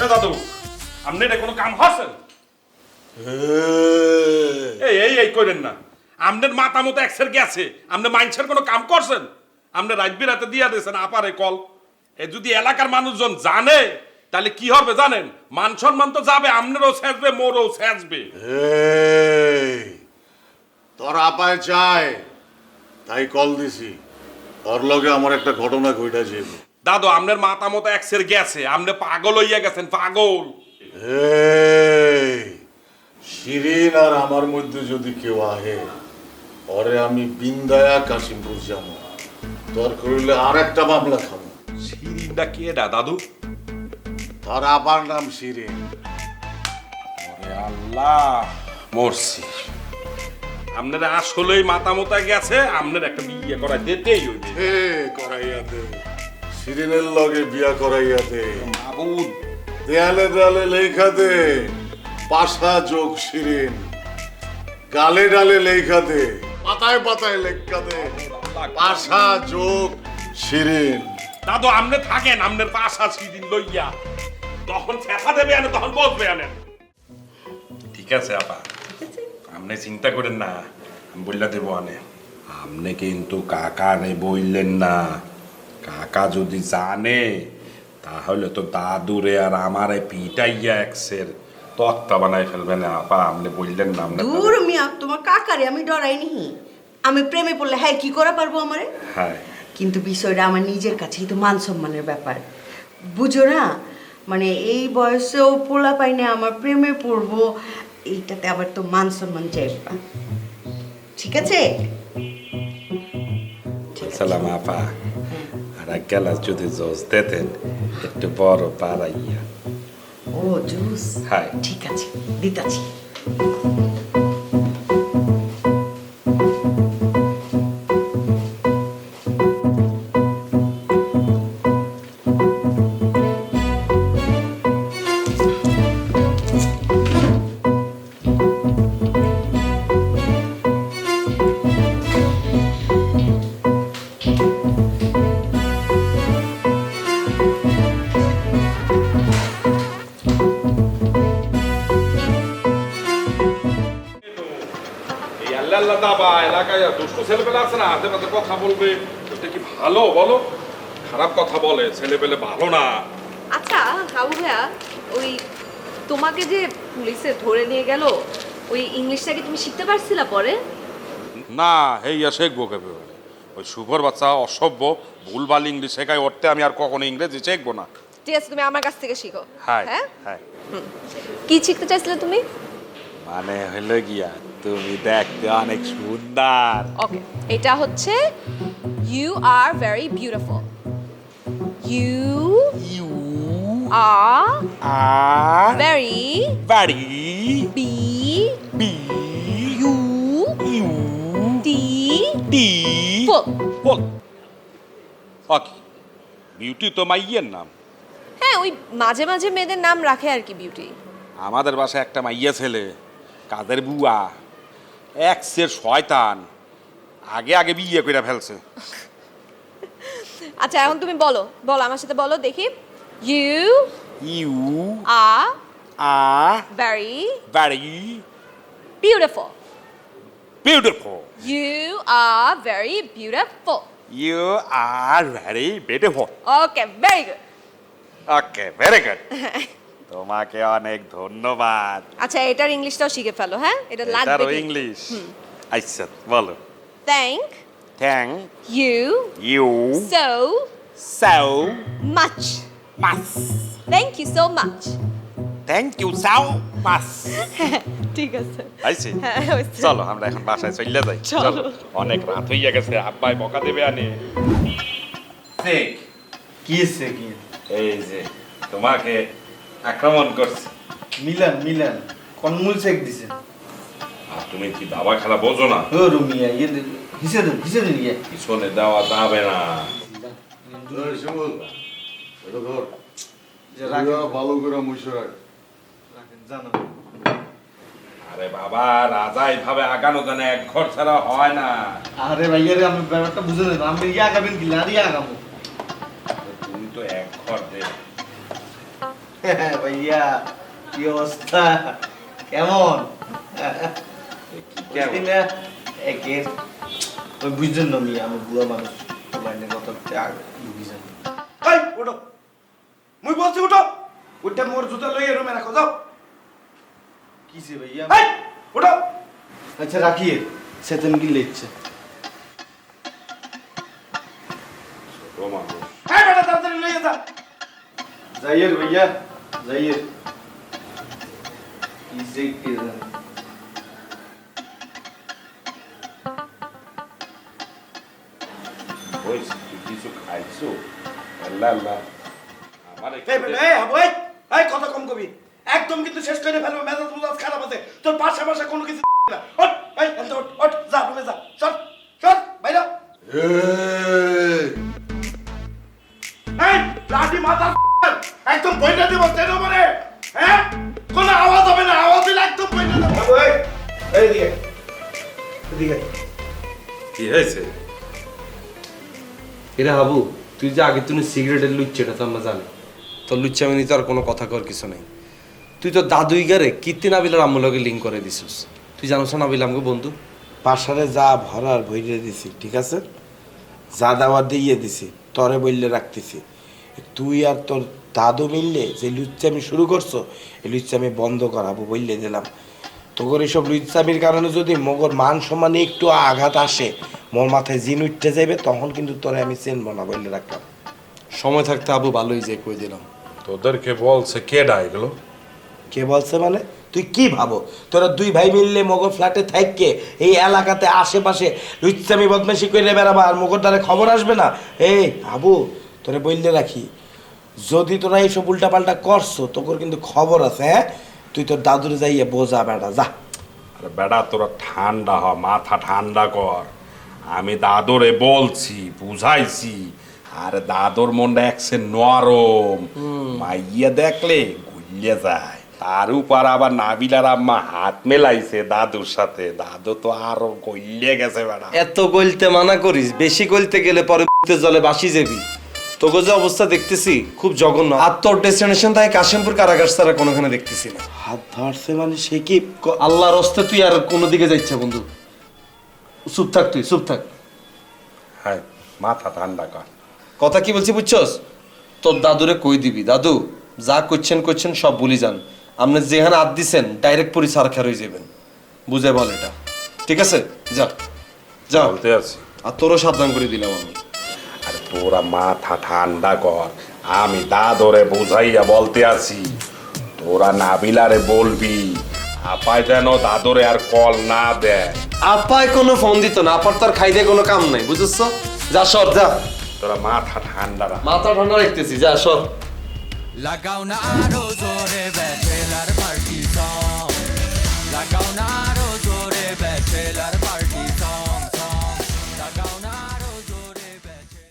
দাদু আপনি এটা কোনো কাম হচ্ছেন এই এই এই করেন না আপনার মাথা মতো একসের গেছে আপনি মাইন্সের কোনো কাম করছেন আপনি রাত বিরাতে দিয়া দিয়েছেন আপারে কল এ যদি এলাকার মানুষজন জানে তাহলে কি হবে জানেন মান সম্মান তো যাবে আপনারও ছেঁচবে মোরও ছেঁচবে তোর আপায় চায় তাই কল দিছি ওর লগে আমার একটা ঘটনা ঘটে যাবে দাদু আপনার মাথা মতো একসের গেছে আপনি পাগল হইয়া গেছেন পাগল শিরিন আর আমার মধ্যে যদি কেউ আহে ওরে আমি বিন্দায়া কাশিমপুর যাবো তোর করিলে আর একটা মামলা খাবো শিরিনটা কে দাদু তোর আপার নাম শিরিন ওরে আল্লাহ মরছি আপনারা আসলেই মাথা মোতা গেছে আপনার একটা বিয়ে করা দিতেই হইবে হে করাইয়া দে শিরিনের লগে বিয়া করাইয়া দে মাবুদ দেয়ালে দেয়ালে লেখা দে পাশা যোগ শিরিন গালে ডালে লেখা দে পাতায় পাতায় লেখা দে পাশা যোগ শিরিন দাদু আপনি থাকেন আপনার পাশা শিরিন লইয়া তখন ফেফা দেবে আনে তখন বসবে আনেন ঠিক আছে আপা আপনি চিন্তা করেন না আমি বললা দেবো আনে আপনি কিন্তু কাকা রে বললেন না কাকা যদি জানে তাহলে তো দাদুরে আর আমারে পিটাইয়া এক্সের তক্তা বানাই ফেলবেন আপা আপনি বললেন না আপনি দূর মিয়া তোমার কাকারে আমি ডরাই নি আমি প্রেমে পড়লে হ্যাঁ কি করা পারবো আমারে হ্যাঁ কিন্তু বিষয়টা আমার নিজের কাছেই তো মান সম্মানের ব্যাপার বুঝো না মানে এই বয়সেও পোলা পাইনে আমার প্রেমে পড়বো এইটাতে আবার তো মান সম্মান চাইবা ঠিক আছে সালাম আপা আর এক গ্লাস যদি জোস দিতেন একটু বড় পাড়াইয়া ও জুস হ্যাঁ ঠিক আছে দিতাছি আল্লাহ দাবা এলাকায় দুষ্ট ছেলেপেলে আছে না হাতে পাতে কথা বলবে এটা কি ভালো বলো খারাপ কথা বলে ছেলেপেলে ভালো না আচ্ছা হাবু ভাইয়া ওই তোমাকে যে পুলিশে ধরে নিয়ে গেল ওই ইংলিশটা কি তুমি শিখতে পারছিলা পরে না হেইয়া শেখবো কেবে ওই শুভর বাচ্চা অসভ্য ভুলভাল ইংলিশ শেখায় ওরতে আমি আর কখনো ইংরেজি শিখবো না ঠিক আছে তুমি আমার কাছ থেকে শিখো হ্যাঁ হ্যাঁ হ্যাঁ কি শিখতে চাইছিলে তুমি মানে হলো গিয়া তুমি দেখতে অনেক সুন্দর ওকে এটা হচ্ছে you are very beautiful you you are are very বাড়ি B B U U T T full বল ওকে বিউটি তো মাইয়ের নাম হ্যাঁ ওই মাঝে মাঝে মেয়েদের নাম রাখে আর কি বিউটি আমাদের বাসায় একটা মাইয়া ছেলে কাদের বুয়া এক্সের শয়তান আগে আগে বিয়ে করে ফেলছে আচ্ছা এখন তুমি বলো বলো আমার সাথে বলো দেখি you you are are very very beautiful beautiful You are very beautiful. You are very beautiful Okay, very good. Okay very good তোমাকে অনেক ধন্যবাদ আচ্ছা এটার ইংলিশটাও শিখে ফেলো হ্যাঁ এটা লাগবে এটারও কিন্তু। ইংলিশ আচ্ছা বলো Thank thank you you so so much. Much Thank you so much. Thank you so much ঠিক আছে আইছি হ্যাঁ, হয়েছে। চলো আমরা এখন বাসায় চলে যাই চলো। অনেক রাত হইয়া গেছে আব্বাই বকা দেবে আনে দেখ কি হচ্ছে কি এই যে তোমাকে আক্রমণ করছে মিলান কোন মূল চেক দিছে আর তুমি কি দাবা খেলা বোঝো না ও রুমিয়া ইয়ে হিসে দিন ইয়ে পিছনে দেওয়া যাবে না শিমুল এটা ধর যে রাখেন ভালো করে মুছে রাখ জানো আরে বাবা রাজা এইভাবে আগানো জানে এক ঘর ছাড়া হয় না আরে ভাইয়া রে আমি ব্যাপারটা বুঝে নেব আমি ইয়া আগাবেন কি না ইয়া আগাবো তুমি তো এক ঘর দে ভাইয়া কি অবস্থা কেমন কেমন? না একের ওই বুঝছেন না মিয়া আমি বুড়া মানুষ লাইনে কত ত্যাগ বুঝছেন এই ওঠো মুই বলছি উঠো উঠে মোর জুতা লইয়ে রুমে রাখো যাও কিসে ভাইয়া এই উঠো আচ্ছা রাখিয়ে সেতেন কি লিখছে এই বেটা তাড়াতাড়ি লইয়ে যা যাইয়ের ভাইয়া যাইয়ের কিসে কি জানি কিছু খাইছো আল্লাহ আল্লাহ আমার এই বেটা এই হাবু এই এই কথা কম কবি একদম কিন্তু শেষ করে ফেলবো মেজাজ মুজাজ খারাপ আছে তোর পাশে পাশে কোনো কিছু না ওঠ এই এত ওঠ ওঠ যা রুমে যা চল চল বাইরে এই লাঠি মাথা একদম বইটা দিব তেল মানে হ্যাঁ কোনো আওয়াজ হবে না আওয়াজ দিলে একদম বইটা দেব হাবু এই এইদিকে এদিকে কি হয়েছে এরা হাবু তুই যে আগে তুই সিগারেটের লুচ্ছে এটা তো আমরা জানি তোর লুচ্চা আমি তো আর কোনো কথা কর কিছু নেই তুই তো দাদুই গারে কীর্তি নাবিলার আম্মুলকে লিঙ্ক করে দিছিস তুই জানোস না নাবিল আমাকে বন্ধু পাশারে যা ভরার ভইরে দিছি ঠিক আছে যা দাওয়া দিয়ে দিছি তরে বললে রাখতেছি তুই আর তোর দাদু মিললে যে লুচ্চামি শুরু করছো এই লুচ্চামি বন্ধ করাবো বললে দিলাম তোর এইসব লুচ্চামির কারণে যদি মগর মান সম্মানে একটু আঘাত আসে মোর মাথায় জিন উঠতে যাইবে তখন কিন্তু তোরে আমি চেনবো না বললে রাখলাম সময় থাকতে আবু ভালোই যে কই দিলাম তোদেরকে বলছে কেডা এগুলো কে বলছে মানে তুই কি ভাবো তোরা দুই ভাই মিললে মগর ফ্ল্যাটে থাককে এই এলাকাতে আশেপাশে লুচ্চামি বদমাশি করে বেড়াবা আর মগর দ্বারা খবর আসবে না এই আবু তোরে বললে রাখি যদি তোরা এইসব উল্টাপাল্টা করছো তোর কিন্তু খবর আছে হ্যাঁ তুই তোর দাদুরে যাইয়ে বোঝা বেটা যা আরে বেটা তোরা ঠান্ডা হ মাথা ঠান্ডা কর আমি দাদরে বলছি বুঝাইছি আর দাদর মনটা একসে নরম মাইয়া দেখলে গুলিয়ে যায় তার উপর আবার নাবিলার আম্মা হাত মেলাইছে দাদুর সাথে দাদু তো আরো গলিয়ে গেছে বেটা এত গলতে মানা করিস বেশি গলতে গেলে পরে জলে বাসি যাবি তোকে যে অবস্থা দেখতেছি খুব জঘন্য আর তোর ডেস্টিনেশন তাই কাশিমপুর কারাগার ছাড়া কোনোখানে দেখতেছি না হাত ধরছে মানে সে কি আল্লাহর হস্তে তুই আর কোনো দিকে যাচ্ছে বন্ধু চুপ থাক তুই চুপ থাক হ্যাঁ মাথা ঠান্ডা কর কথা কি বলছি বুঝছস তোর দাদুরে কই দিবি দাদু যা করছেন সব ভুলি যান আপনি যেখানে হাত দিছেন ডাইরেক্ট পুরি সারখার হয়ে যাবেন বুঝে বল এটা ঠিক আছে যা যা বলতে আছি আর তোরও সাবধান করে দিলাম আমি আরে তোরা মাথা ঠান্ডা কর আমি দাদরে বুঝাইয়া বলতে আছি তোরা নাবিলারে বলবি আপায় যেন দাদরে আর কল না দেয় আপায় কোনো ফোন দিত না আপার তার খাইতে কোনো কাম নাই বুঝছস যা সর যা তোরা মাথা ঠান্ডা রাখ মাথা ঠান্ডা রাখতেছি যা সর লাগাও না আরো জোরে ব্যাচেলার পার্টি সং লাগাও না